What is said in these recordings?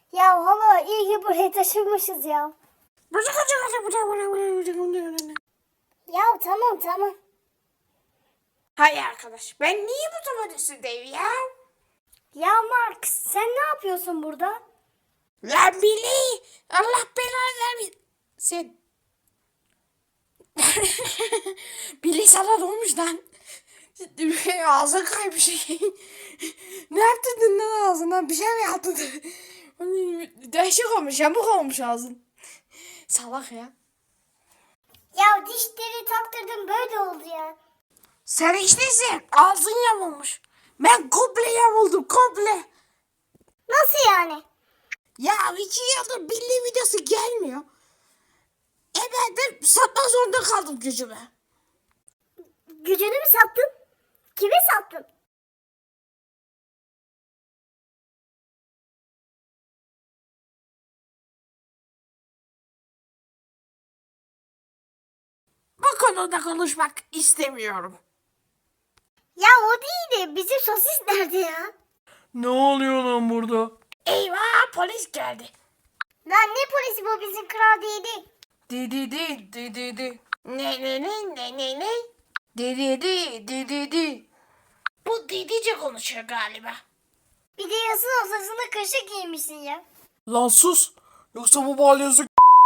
Ya hala iyi ki buraya taşınmışız ya. Ya tamam. Hay arkadaş, ben niye bu tavan üstündeyim ya? Ya Mark sen ne yapıyorsun burada? Lan Billy, Allah belanı vermesin. Billy sana dolmuş lan. Ağzın kaymış. Ne yaptırdın lan ağzına? Bir şey mi yaptın? Değişik olmuş, yamuk olmuş ağzın. Salak ya. Ya dişleri taktırdım böyle oldu ya. Sen işte ağzın yamulmuş. Ben komple yamuldum, komple. Nasıl yani? Ya 2 yıldır Billy videosu gelmiyor. Ben de satmak zorunda kaldım gücümü. Gücünü mü sattın? Kime sattın? Bu konuda konuşmak istemiyorum. Ya o değil de bizim sosis nerede ya? Ne oluyor lan burada? Eyvah, polis geldi. Lan ne polisi bu bizim kral değildi. Di. Ne? Di. Bu Didice konuşuyor galiba. Bir de yasın ortasında kaşık giymişsin ya. Lan sus. Yoksa bu balyozluk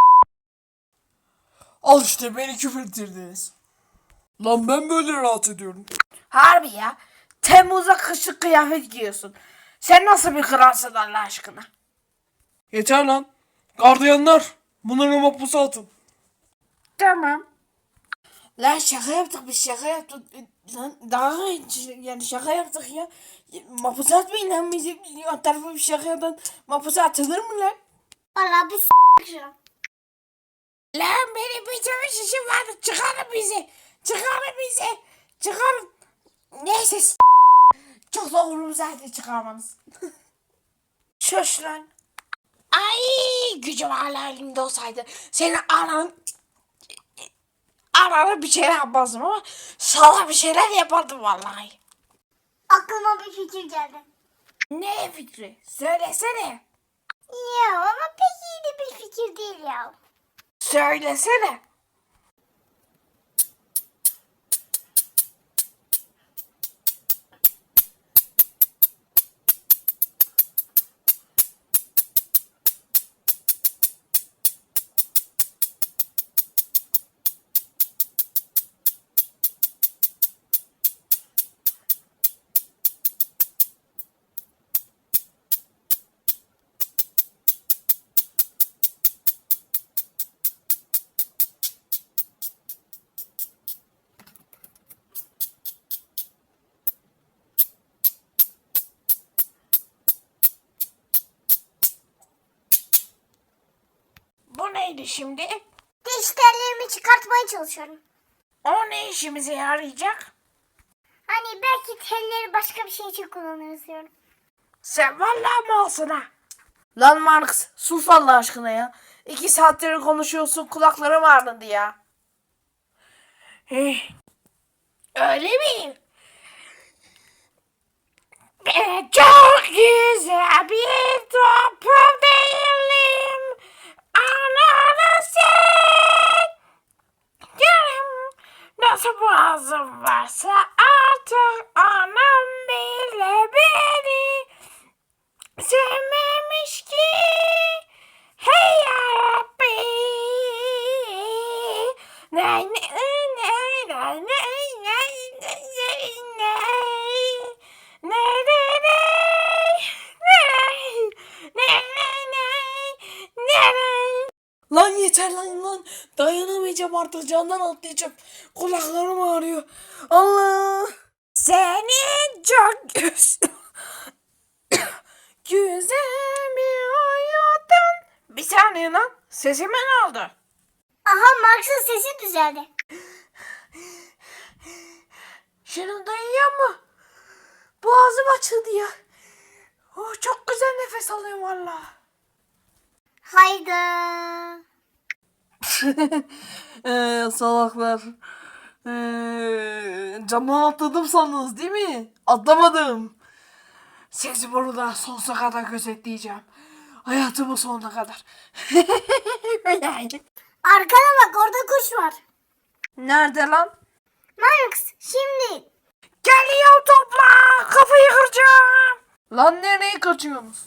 al işte beni küfrettirdiniz. Lan ben böyle rahat ediyorum. Harbi ya. Temmuz'a kışlık kıyafet giyiyorsun. Sen nasıl bir kralsın Allah aşkına? Yeter lan. Gardiyanlar. Bunları mapusa atın. Tamam. Lan şaka yaptık, biz şaka yaptık. Lan daha yani şaka yaptık ya. Mapusa atmayın lan bizi. O tarafa bir şakadan mapusa atılır mı lan? Vallahi biz s**k şu an. Lan benim bitirmiş işim vardı. Çıkarın bizi. Çıkarın. Neyse çok da umurumdaydı çıkarmanız. Şuş lan. Ay gücüm hala elimde olsaydı. Senin ananı bir şeyler yapmazdım ama sana bir şeyler yapardım vallahi. Aklıma bir fikir geldi. Ne fikri? Söylesene. Ya ama pek iyi de bir fikir değil ya. Söylesene. Bu neydi şimdi? Diş tellerimi çıkartmaya çalışıyorum. O ne işimize yarayacak? Hani belki telleri başka bir şey için kullanırız diyorum. Sen vallahi malsın ha. Lan Marx sus Allah aşkına ya. 2 saattir konuşuyorsun, kulaklarım ağrıdı ya. Öyle mi? Ben çok güzel bir toplum değilim. Ananı sen. Yarım nasıl boğazım varsa artık anam bile beni sevmemiş ki. Hey yarabbi. Nay nay nay nay nay nay nay. Lan yeter lan. Dayanamayacağım artık candan atlayacağım. Kulaklarım ağrıyor. Allah. Senin çok güzel bir hayatın. Bir saniye lan. Sesime ne oldu? Aha Marx'ın sesi düzeldi. Şunu duyuyor mu? Boğazım açıldı ya. Oh, çok güzel nefes alıyorum valla. Hayda. Salaklar. Camdan atladım sandınız değil mi? Atlamadım. Sizi burada sonsuza kadar gözetleyeceğim. Hayatımın sonuna kadar. Arkana bak, orada kuş var. Nerede lan? Max şimdi. Geliyor topla. Kafayı kıracağım. Lan nereye kaçıyorsunuz?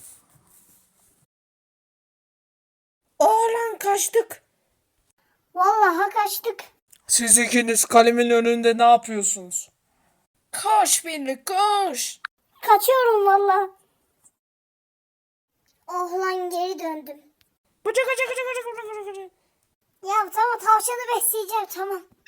Oğlan kaçtık. Vallahi kaçtık. Siz ikiniz kalemin önünde ne yapıyorsunuz? Koş Billy koş. Kaçıyorum vallahi. Oh lan, geri döndüm. Bıcı bıcı bıcı bıcı bıcı bıcı. Ya tamam, tavşanı besleyeceğim, tamam.